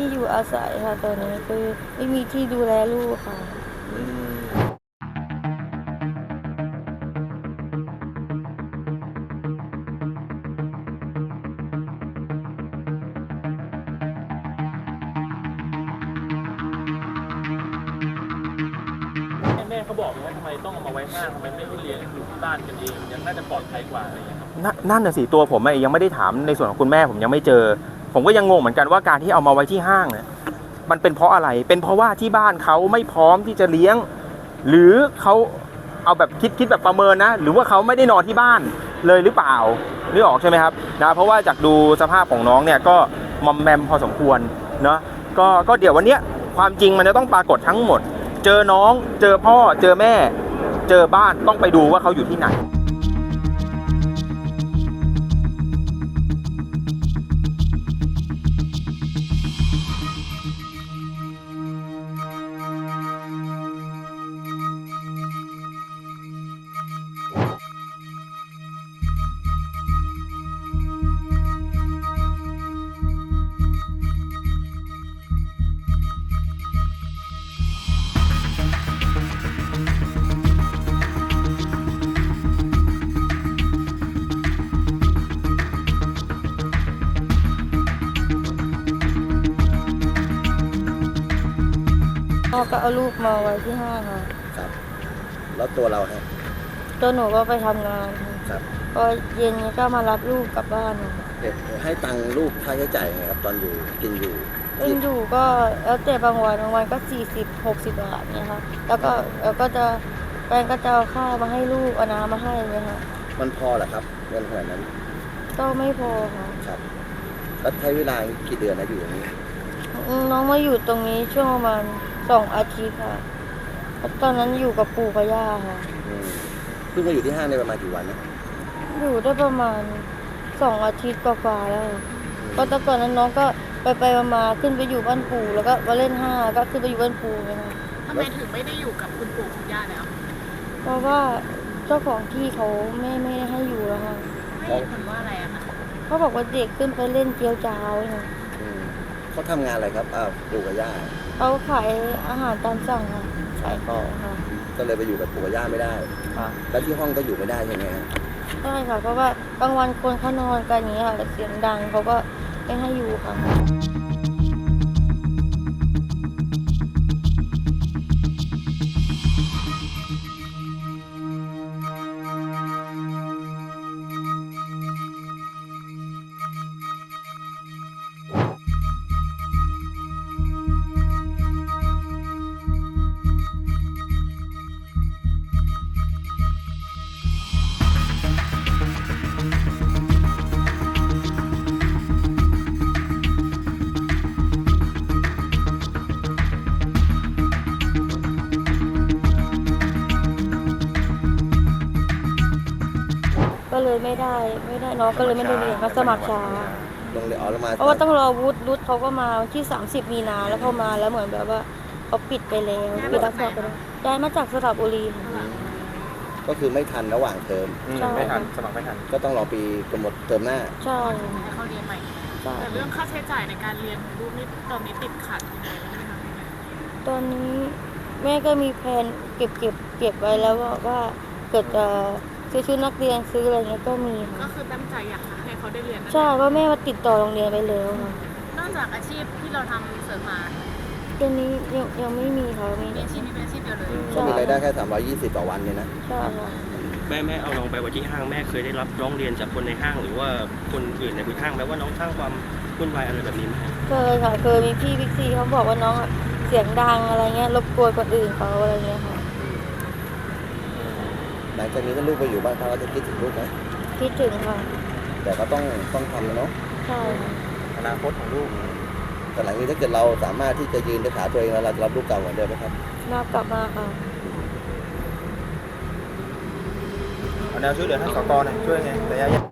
อยู่อาศัยค่ะตอนนี้คือไม่มีที่ดูแลลูกค่ะแม่เขาบอกว่าทำไมต้องเอามาไว้ห้างทำไมไม่ให้เลี้ยงอยู่ที่บ้านกันเองยังน่าจะปลอดภัยกว่าอะไรอย่างเงี้ยครับนั่นน่ะสิตัวผมยังไม่ได้ถามในส่วนของคุณแม่ผมยังไม่เจอผมก็ยังงงเหมือนกันว่าการที่เอามาไว้ที่ห้างเนี่ยมันเป็นเพราะอะไรเป็นเพราะว่าที่บ้านเขาไม่พร้อมที่จะเลี้ยงหรือเขาเอาแบบคิดแบบประเมินนะหรือว่าเขาไม่ได้นอนที่บ้านเลยหรือเปล่านึกออกใช่ไหมครับนะเพราะว่าจากดูสภาพของน้องเนี่ยก็มอมแมมพอสมควรเนาะก็เดี๋ยววันเนี้ยความจริงมันจะต้องปรากฏทั้งหมดเจอน้องเจอพ่อเจอแม่เจอบ้านต้องไปดูว่าเขาอยู่ที่ไหนพ่อก็เอาลูกมาไว้ที่ห้างค่ะครับแล้วตัวเราฮะตัวหนูก็ไปทำงานค่ะครับพอเย็นก็มารับลูกกลับบ้านค่ะเด็กให้ตังค์ลูกค่าใช้จ่ายไงครับตอนอยู่กินอยู่ก็แล้วแต่บางวันก็40-60 บาทเนี่ยค่ะแล้วก็จะแฟนก็จะเอาข้าวมาให้ลูกเอาน้ำมาให้เนี่ยค่ะมันพอเหรอครับเงินขนาดนั้นก็ไม่พอค่ะครับแล้วใช้เวลากี่เดือนนะอยู่อย่างนี้น้องมาอยู่ตรงนี้ช่วงประมาณ2 อาทิตย์ค่ะตอนนั้นอยู่กับปู่กับย่าค่ะเพิ่งมาอยู่ที่ห้างในประมาณกี่วันนะอยู่ได้ประมาณ2 อาทิตย์กว่าๆแล้วก็แต่ก่อนนั้นน้องก็ไปมาขึ้นไปอยู่บ้านปู่แล้วก็มาเล่นห้างก็ขึ้นไปอยู่บ้านปู่เลยค่ะทำไมถึงไม่ได้อยู่กับคุณปู่คุณย่าแล้วเพราะว่าเจ้าของที่เขาไม่ได้ให้อยู่แล้วค่ะให้เหตุผลว่าอะไรอะคะเขาบอกว่าเด็กขึ้นไปเล่นเจียวจ้าวค่ะเขาทำงานอะไรครับปู่กับย่าเขาขายอาหารตามสั่งค่ะขายของค่ะก็เลยไปอยู่กับปู่กับย่าไม่ได้ค่ะแล้วที่ห้องก็อยู่ไม่ได้ใช่ไหมใช่ค่ะเพราะว่าบางวันคนเขานอนกันอย่างนี้ค่ะเสียงดังเขาก็ไม่ให้อยู่ค่ะก็เลยไม่ได้น้องก็เลยไม่ได้เรียนมาสมัครช้าลงเรียนมาเพราะว่าต้องรอวุฒิเขาก็มาที่30 มีนาแล้วพอมาแล้วเหมือนแบบว่าเขาปิดไปแล้วปิดรับสอบไปแล้วย้ายมาจากสระบุรีก็คือไม่ทันระหว่างเทอมไม่ทันสมัครไม่ทันก็ต้องรอปีกำหนดเทอมหน้าใช่ให้เขาเรียนใหม่แต่เรื่องค่าใช้จ่ายในการเรียนของลูกนี่ตอนนี้ติดขัดยังไงบ้างไหมคะตอนนี้แม่ก็มีแผนเก็บไว้แล้วว่าเกิดจะซื้อชุดนักเรียนซื้ออะไรเงี้ยก็มีค่ะก็คือตั้งใจอยากให้เขาได้เรียนใช่เพราะแม่มาติดต่อโรงเรียนไปแล้วค่ะนอกจากอาชีพที่เราทำเสริมมาตอนนี้ยังไม่มีค่ะมีอาชีพนี้เป็นอาชีพเดียวเลยก็มีรายได้แค่320ต่อวันเนี่ยนะใช่ค่ะแม่เอาน้องไปไว้ที่ห้างแม่เคยได้รับร้องเรียนจากคนในห้างหรือว่าคนอื่นในห้างไหมว่าน้องสร้างความวุ่นวายอะไรแบบนี้ไหมเคยค่ะเคยมีพี่บิ๊กซีเขาบอกว่าน้องเสียงดังอะไรเงี้ยรบกวนคนอื่นเขาอะไรเงี้ยค่ะหลังจากนี้ก็ลูกไปอยู่บ้านเขาจะคิดถึงลูกไหมคิดถึงค่ะแต่ก็ต้องทำเนาะใช่อนาคตของลูกแต่หลังนี้ถ้าเกิดเราสามารถที่จะยืนด้วยขาตัวเองแล้วเราจะรับลูกเก่าเหมือนเดิมไหมครับกลับมาค่ะเอาแนวช่วยเหลือท่านสกหน่อยช่วยไงระยะ